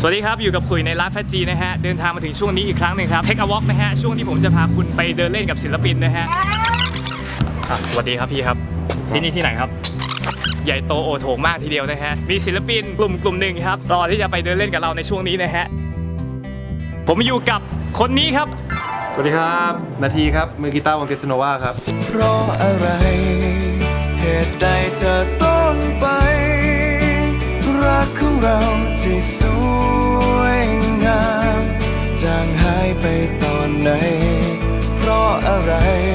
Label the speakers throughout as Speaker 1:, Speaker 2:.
Speaker 1: สวัสดีครับอยู่กับคุยในร้านแฟจีนะฮะเดินทางมาถึงช่วงนี้อีกครั้งหนึ่งครับเทคอวอล์กนะฮะช่วงที่ผมจะพาคุณไปเดินเล่นกับศิลปินนะฮะสวัสดีครับพี่ครับที่นี่ที่ไหนครับใหญ่โตโอโถงมากทีเดียวนะฮะมีศิลปินกลุ่มหนึ่งครับรอที่จะไปเดินเล่นกับเราในช่วงนี้นะฮะผมอยู่กับคนนี้ครับ
Speaker 2: สวัสดีครับนาทีครับมือกีตาร์วงเกสโนวาครับ
Speaker 3: เพราะอะไรเหตุใดเธอต้องไปรักของเราที่สวยงามจางหายไปตอนไหนเพราะอะไร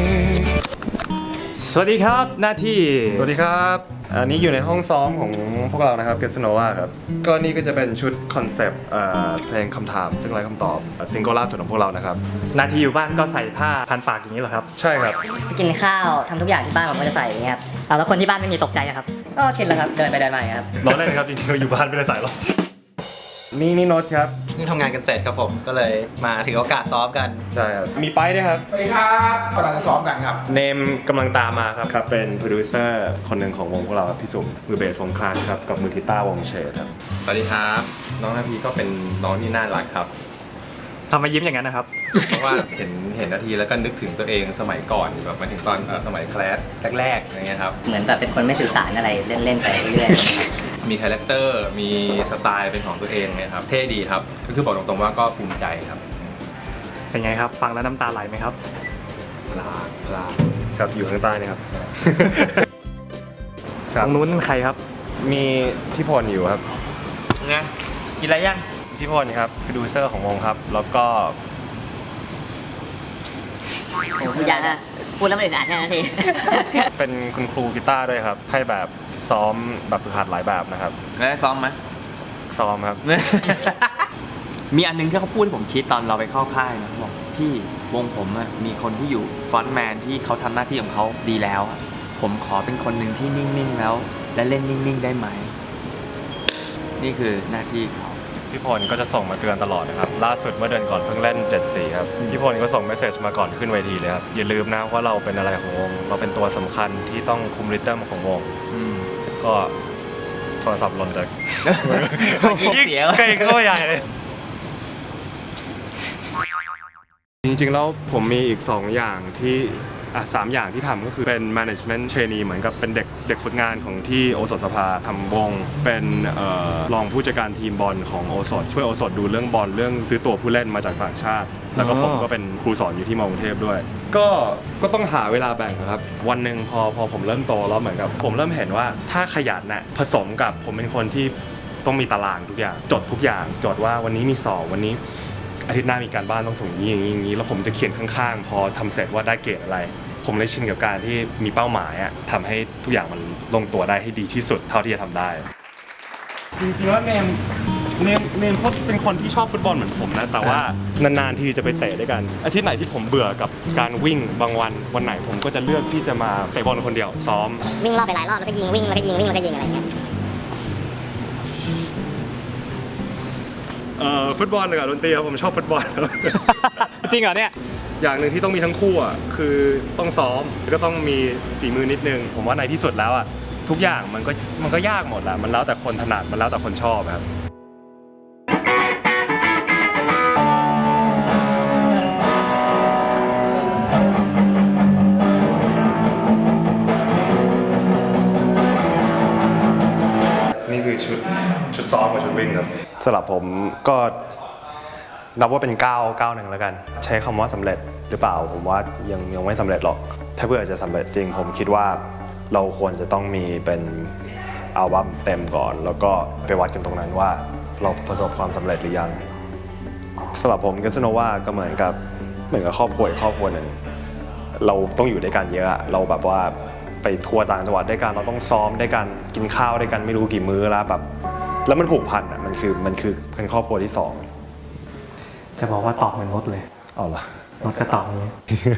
Speaker 1: สวัสดีครับหน้าที่
Speaker 2: สวัสดีครับอันนี้อยู่ในห้องซ้อมของพวกเรานะครับเกสโนวาครับก็นี่ก็จะเป็นชุดคอนเซปต์เพลงคำถามซึ่งไร้คำตอบซิงเกิลล่าสุดของพวกเรานะครับ
Speaker 1: หน้าที่อยู่บ้านก็ใส่ผ้าพันปากอย่างนี้เหรอครับ
Speaker 2: ใช่ครับ
Speaker 4: กินข้าวทำทุกอย่างที่บ้านผมก็จะใส่อย่างเงี้ยครับแล้วคนที่บ้านไม่มีตกใจนะครับก็ชินแล้วครับเดินไปเดินมาอย่างเงี้ยครับ
Speaker 2: ร้อนเลยนะครับจริงๆเราอยู่บ้านไม่ได้ใส่หรอกนี่โน้ตครับ
Speaker 5: นี่ทำงานกันเสร็จครับผมก็เลยมาถึงโอกาสซ้อมกัน
Speaker 2: ใช่ครับมีไปด้วยครับ
Speaker 6: สวัสดีครับกำลังจะซ้อมกันครับ
Speaker 2: เนมกำลังตามมาครับเป็นโปรดิวเซอร์คนหนึ่งของวงพวกเราครับพี่สุมมือเบสวงคลานครับกับมือกีตาร์วงเชดครับ
Speaker 7: สวัสดีครับน้องนาทีก็เป็นน้องที่น่ารักครับ
Speaker 1: ทำไมยิ้มอย่างนั้นนะครับ
Speaker 7: เพราะว่าเห็นนาทีแล้วก็นึกถึงตัวเองสมัยก่อนแบบมาถึงตอนสมัยแคลสแรกๆอย่างเงี้ยครับ
Speaker 4: เหมือนแบบเป็นคนไม่สื่อสารอะไรเล่นๆไปเรื่อย
Speaker 7: มีคาแรคเตอร์มีสไตล์เป็นของตัวเองนะครับเท่ดีครับก็คือบอกตรงๆว่าก็ภูมิใจครับ
Speaker 1: เป็นไงครับฟังแล้วน้ำตาไหลไหมครับ
Speaker 7: ลา
Speaker 2: ครับอยู่ข้างใต้นี่ครับ
Speaker 1: ตรงนู้นใครครับ
Speaker 2: มีพี่พลอยู่ครับ
Speaker 5: ไงกินอะไรยัง
Speaker 2: พี่พลครับโปรดิวเซอร์ของวงครับแล้วก็
Speaker 4: โอ้พูดยากนะพูดแล้วมันอึดอัดแค่นั้นที
Speaker 2: เป็นคุณครูกีตาร์ด้วยครับให้แบบซ้อมแบบฝึกหัดหลายแบบนะครับ
Speaker 5: ได้ซ้อมไหม
Speaker 2: ซ้อมครับ
Speaker 5: มีอันนึงที่เขาพูดให้ผมคิดตอนเราไปเข้าค่ายนะเขาบอกพี่วงผมมีคนที่อยู่ฟรอนต์แมนที่เขาทำหน้าที่ของเขาดีแล้วผมขอเป็นคนหนึ่งที่นิ่งๆแล้วและเล่นนิ่งๆได้ไหมนี่คือหน้าที่เขา
Speaker 2: พี่พลก็จะส่งมาเตือนตลอดนะครับล่าสุดเมื่อเดือนก่อนเพิ่งเล่น 7-4 ครับพี่พลก็ส่งเมสเซจมาก่อนขึ้นเวทีเลยครับอย่าลืมนะว่าเราเป็นอะไรของวงเราเป็นตัวสำคัญที่ต้องคุมริทึมของวงก็โทรศัพท์หล่นจาก
Speaker 5: ยิ่งเสีย
Speaker 2: ใกล้ก็ใหญ่เลยจริงๆแล้วผมมีอีก2อย่างที่3อย่างที่ทำก็คือเป็น management trainee เหมือนกับเป็นเด็กฝึกงานของที่โอสถสภาทำวงเป็นรองผู้จัดการทีมบอลของโอสถช่วยโอสถดูเรื่องบอลเรื่องซื้อตัวผู้เล่นมาจากต่างชาติแล้วก็ผมก็เป็นครูสอนอยู่ที่มอกรุงเทพด้วยก็ต้องหาเวลาแบ่งครับวันหนึ่งพอผมเริ่มโตแล้วเหมือนกับผมเริ่มเห็นว่าถ้าขยันน่ะผสมกับผมเป็นคนที่ต้องมีตารางทุกอย่างจดทุกอย่างจดว่าวันนี้มีสอบวันนี้อาทิตย์หน้ามีการบ้านต้องส่งอย่างนี้แล้วผมจะเขียนข้างๆพอทำเสร็จว่าได้เกรดอะไรผมเลยชินกับการที่มีเป้าหมายทำให้ทุกอย่างมันลงตัวได้ให้ดีที่สุดเท่าที่จะทำได้จริงๆแล้วเนมเขาเป็นคนที่ชอบฟุตบอลเหมือนผมนะแต่ว่านานๆที่จะไปเตะด้วยกันอาทิตย์ไหนที่ผมเบื่อกับการวิ่งบางวันไหนผมก็จะเลือกที่จะมาเตะบอลคนเดียวซ้อม
Speaker 4: วิ่งรอบไปหลายรอบแล้วก็ยิงวิ่งแล้วก็ยิงวิ่งแล้วก็ยิงอะไรเงี้ย
Speaker 2: ฟุตบอลกับดนตรีครับผมชอบฟุตบอล
Speaker 1: จริงเหรอเนี่ย
Speaker 2: อย่างหนึ่งที่ต้องมีทั้งคู่คือต้องซ้อมก็ต้องมีฝีมือนิดนึงผมว่าในที่สุดแล้วทุกอย่างมันก็ยากหมดแหละมันแล้วแต่คนถนัดมันแล้วแต่คนชอบครับนี่คือชุดซ้อมกับชุดวิ่งครับสำหรับผมก็นับว่าเป็นก้าวหนึ่งแล้วกันใช้คำว่าสำเร็จหรือเปล่าผมว่ายังไม่สำเร็จหรอกถ้าเพื่อจะสำเร็จจริงผมคิดว่าเราควรจะต้องมีเป็นอัลบั้มเต็มก่อนแล้วก็ไปวัดกันตรงนั้นว่าเราประสบความสำเร็จหรือยังสำหรับผมเกสโนวาก็เหมือนกับครอบครัวหนึ่งเราต้องอยู่ด้วยกันเยอะเราแบบว่าไปทัวร์ต่างจังหวัดด้วยกันเราต้องซ้อมด้วยกันกินข้าวด้วยกันไม่รู้กี่มื้อแล้วแบบแล้วมันผูกพันมันคือเป็นครอบครัวที่2
Speaker 1: จะบอกว่าตอบเหมือนรถเลย
Speaker 2: เอาล่ะ
Speaker 1: รถก็ตอบนี้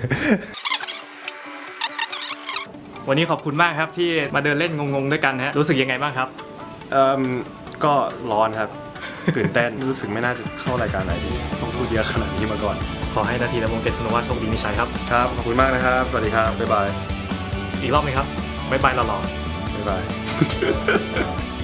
Speaker 1: วันนี้ขอบคุณมากครับที่มาเดินเล่นงงๆด้วยกันฮะรู้สึกยังไงบ้างครับ
Speaker 2: ก็ร้อนครับตื่นเต้นรู้สึกไม่น่าจะเข้ารายการไหนดีต้องพูดเยอะขนาดนี้มาก่อน
Speaker 1: ขอให้นาทีและวงเกสโนวาโชคดีมีชัยครับ
Speaker 2: ครับขอบคุณมากนะครับสวัสดีครับบ๊ายบาย
Speaker 1: อีกรอบนึงครับบ๊ายบายหล่อ
Speaker 2: ๆบ๊ายบาย